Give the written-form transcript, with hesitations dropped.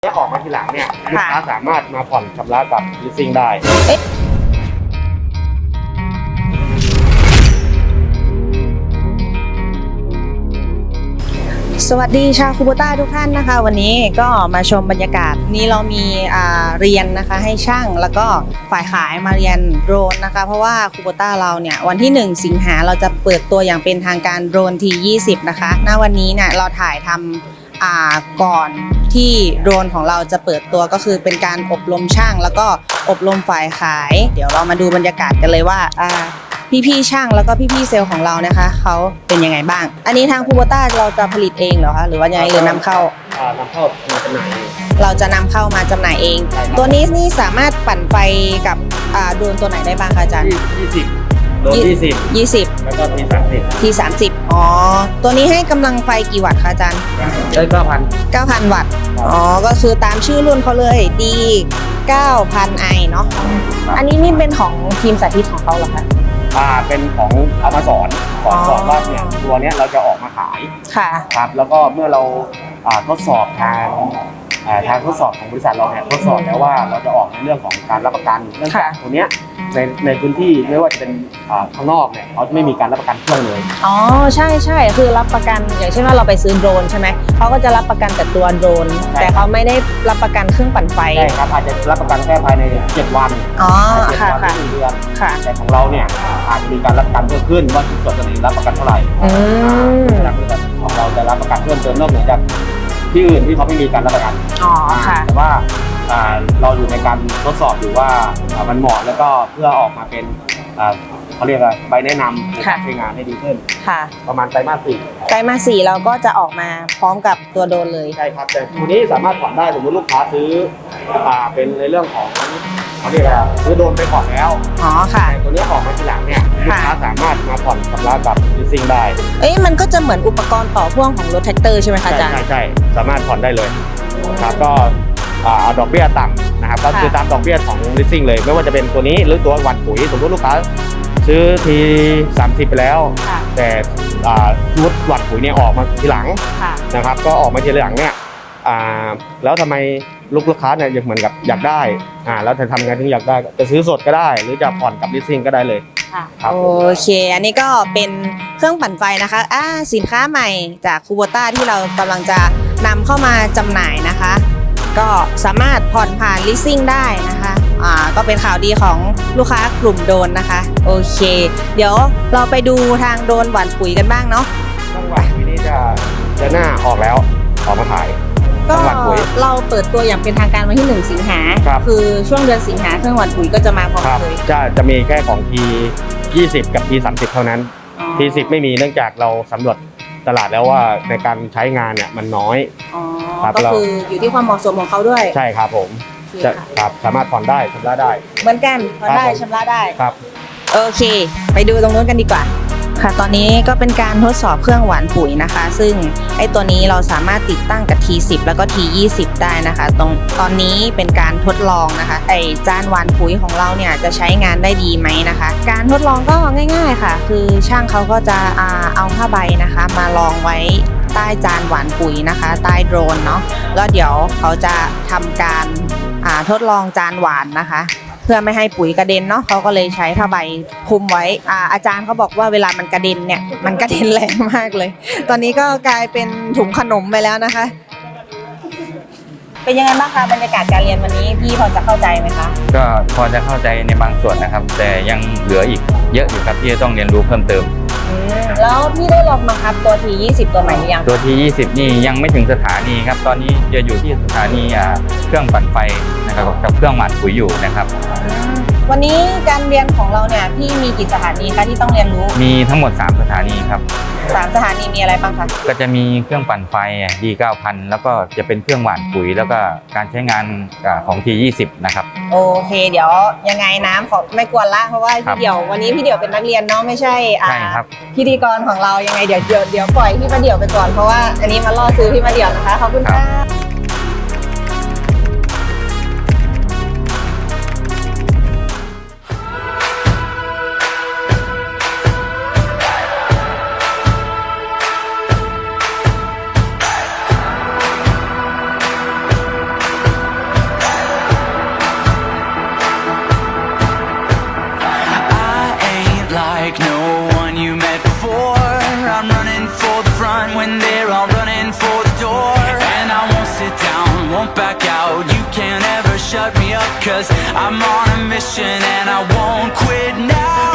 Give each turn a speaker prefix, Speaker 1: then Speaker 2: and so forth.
Speaker 1: ออกมาทีหลังเนี่ยลูกค้าสามารถมาผ่อนชำระกับ leasing ได้
Speaker 2: สวัสดีชาวคูโบต้าทุกท่านนะคะวันนี้ก็มาชมบรรยากาศนี้เรามีเรียนนะคะให้ช่างแล้วก็ฝ่ายขายมาเรียนโดรนนะคะเพราะว่าคูโบต้าเราเนี่ยวันที่1สิงหาเราจะเปิดตัวอย่างเป็นทางการโดรนT20นะคะณวันนี้เนี่ยเราถ่ายทำก่อนที่โดรนของเราจะเปิดตัวก็คือเป็นการอบรมช่างแล้วก็อบรมฝ่ายขายเดี๋ยวเรามาดูบรรยากาศกันเลยว่าพี่ๆช่างแล้วก็พี่ๆเซลล์ของเรานะคะเขาเป็นยังไงบ้างอันนี้ทางคูโบต้าเราจะผลิตเองเหรอคะหรือว่ายังไงหรือนำเข้าน
Speaker 1: ำเข้ามาจำหน่าย
Speaker 2: เราจะนำเข้ามาจำหน่ายเองตัวนี้นี่สามารถปั่นไฟกับโดรนตัวไหนได้บ้างคะอาจารย์
Speaker 1: 20โดรน20แล้วก็T30
Speaker 2: อ๋อตัวนี้ให้กำลังไฟกี่วัตต์คะอาจารย์
Speaker 1: ได้9,000
Speaker 2: วัตต์อ๋อก็คือตามชื่อรุ่นเขาเลย D9000i เนาะอันนี้นี่เป็นของทีมสาธิตของเขาเหรอคะ
Speaker 1: เป็นของเอามาสอนว่าเนี่ยตัวเนี้ยเราจะออกมาขาย
Speaker 2: ค่ะ
Speaker 1: ครับแล้วก็เมื่อเราทดสอบทางทดสอบของบริษัทเราเนี่ยทดสอบแล้วว่าเราจะออกในเรื่องของการรับประกันเนื่องจากตัวเนี้ยในพื้นที่ไม่ว่าจะเป็นข้างนอกเนี่ยเขาไม่มีการรับประกันเครื่องเลย
Speaker 2: อ๋อใช่คือรับประกันอย่างเช่นว่าเราไปซื้อโดรนใช่ไหมเขาก็จะรับประกันแต่ตัวโดรนแต่เขาไม่ได้รับประกันเครื่องปั่นไฟ
Speaker 1: ใช่ครับอาจจะรับประกันแค่ภายใน7 วัน
Speaker 2: อ๋อค่ะ
Speaker 1: 1 เดือนแต่ของเราเนี่ยอาจจะมีการรับประกันเพิ่มขึ้นว่าส่วนตัวนี้รับประกันเท่าไหร่ของเราจะรับประกันเพิ่มเติมนอกเหนือจากที่อื่นที่เขาไม่มีการรับประกัน
Speaker 2: อ๋อค่ะ
Speaker 1: แต่ว่าเราอยู่ในการทดสอบอยู่ว่ามันเหมาะแล้วก็เพื่อออกมาเป็นเขาเรียกว่าใบแนะนำในการใช้งานให้ดีขึ้นประมาณไตรมาส
Speaker 2: 4เราก็จะออกมาพร้อมกับตัวโดรนเลย
Speaker 1: ใช่ครับแต่ตัวนี้สามารถผ่อนได้สมมติลูกค้าซื้อเป็นในเรื่องของเขาเรียกว่าซื้อโดรนไปผ่อนแล้ว
Speaker 2: อ๋อค่ะ
Speaker 1: ตัวนี้ออกมาทีหลังเนี่ยลูกค้าสามารถมาผ่อนชำระกับ leasing ได้
Speaker 2: มันก็จะเหมือนอุปกรณ์ต่อพ่วงของรถแท็กเตอร์ใช่ไหมคะอาจารย์
Speaker 1: ใช่สามารถผ่อนได้เลยครับก็เอาดอกเบี้ยต่ำนะครับก็คือตามดอกเบี้ยของ leasing เลยไม่ว่าจะเป็นตัวนี้หรือตัววันปุ๋ยสมมติลูกค้าซื้อT30ไปแล้วแต่ชุดวัดปุ๋ยเนี่ยออกมาทีหลังนะครับก็ออกมาทีหลังเนี่ยแล้วทำไมลูกค้าเนี่ยยังเหมือนกับอยากได้แล้วจะทำไงถึงอยากได้จะซื้อสดก็ได้หรือจะผ่อนกับ leasing ก็ได้เลย
Speaker 2: โอเคอันนี้ก็เป็นเครื่องปั่นไฟนะคะสินค้าใหม่จากคูโบต้าที่เรากำลังจะนำเข้ามาจำหน่ายนะคะก็สามารถผ่อนผ่าน leasing ได้นะคะก็เป็นข่าวดีของลูกค้ากลุ่มโดรนนะคะโอเคเดี๋ยวเราไปดูทางโดรนหว่านปุ๋ยกันบ้างเนาะ
Speaker 1: เครื่องหว่านปุ๋ยนี้จะหน้าออกแล้วออกมาขาย
Speaker 2: ก็เราเปิดตัวอย่างเป็นทางการวันที่1สิงหาคือช่วงเดือนสิงหาเครื่องหว่านปุ๋ยก็จะมาพร้อมเลย
Speaker 1: จะมีแค่ของ T20 กับ T30 เท่านั้น T10 ไม่มีเนื่องจากเราสำรวจตลาดแล้วว่าในการใช้งานเนี่ยมันน้อย
Speaker 2: ก็คืออยู่ที่ความเหมาะสมของเขาด้วย
Speaker 1: ใช่ครับผมครับสามารถผ่อนได้ชำระได้
Speaker 2: เหมือนกันผ่อนได้ชำระได้
Speaker 1: ครับ
Speaker 2: โอเคไปดูตรงนู้นกันดีกว่าค่ะตอนนี้ก็เป็นการทดสอบเครื่องหว่านปุ๋ยนะคะซึ่งไอ้ตัวนี้เราสามารถติดตั้งกับ T10 แล้วก็ T20 ได้นะคะตอนนี้เป็นการทดลองนะคะไอ้จานหว่านปุ๋ยของเราเนี่ยจะใช้งานได้ดีไหมนะคะการทดลองก็ง่ายๆค่ะคือช่างเขาก็จะเอาผ้าใบนะคะมารองไว้ใต้จานหว่านปุ๋ยนะคะใต้โดรนเนาะแล้วเดี๋ยวเขาจะทำการทดลองจานหว่านนะคะเพื่อไม่ให้ปุ๋ยกระเด็นเนาะเขาก็เลยใช้ผ้าใบคลุมไว้อาจารย์เขาบอกว่าเวลามันกระเด็นเนี่ยมันกระเด็นแรงมากเลยตอนนี้ก็กลายเป็นถุงขนมไปแล้วนะคะเป็นยังไงบ้างคะบรรยากาศการเรียนวันนี้พี่พอจะเข้าใจไหมคะ
Speaker 3: ก็พอจะเข้าใจในบางส่วนนะครับแต่ยังเหลืออีกเยอะอยู่ครับที่จะต้องเรียนรู้เพิ่มเติม
Speaker 2: แล้วพี่ได้ลองบังคับตัว T20 ตัวใหม่หรือยัง
Speaker 3: ตัว T20 นี่ยังไม่ถึงสถานีครับตอนนี้จะอยู่ที่สถานีเครื่องปั่นไฟนะครับกับเครื่องหว่านปุ๋ยอยู่นะครับ
Speaker 2: วันนี้การเรียนของเราเนี่ยพี่มีกี่สถานีคะที่ต้องเรียนรู้
Speaker 3: มีทั้งหมด3สถานีครับ
Speaker 2: 3สถานีมีอะไรบ้างคะ
Speaker 3: ก็จะมีเครื่องปั่นไฟD9000แล้วก็จะเป็นเครื่องหว่านปุ๋ยแล้วก็การใช้งานของ T20 นะครับ
Speaker 2: โอเคเดี๋ยวยังไงน้ำขอไม่กวนละเพราะว่าพี่เดี่ยววันนี้พี่เดี่ยวเป็นนักเรียนเนาะไม่ใช่
Speaker 3: ครับ
Speaker 2: พิธีกรของเรายังไงเดี๋ยวปล่อยพี่มาเดี่ยวไปก่อนเพราะว่าอันนี้มาล่อซื้อพี่มาเดี่ยวนะคะขอบคุณค่ะ
Speaker 4: back out. You can't ever shut me up, 'cause I'm on a mission and I won't quit now.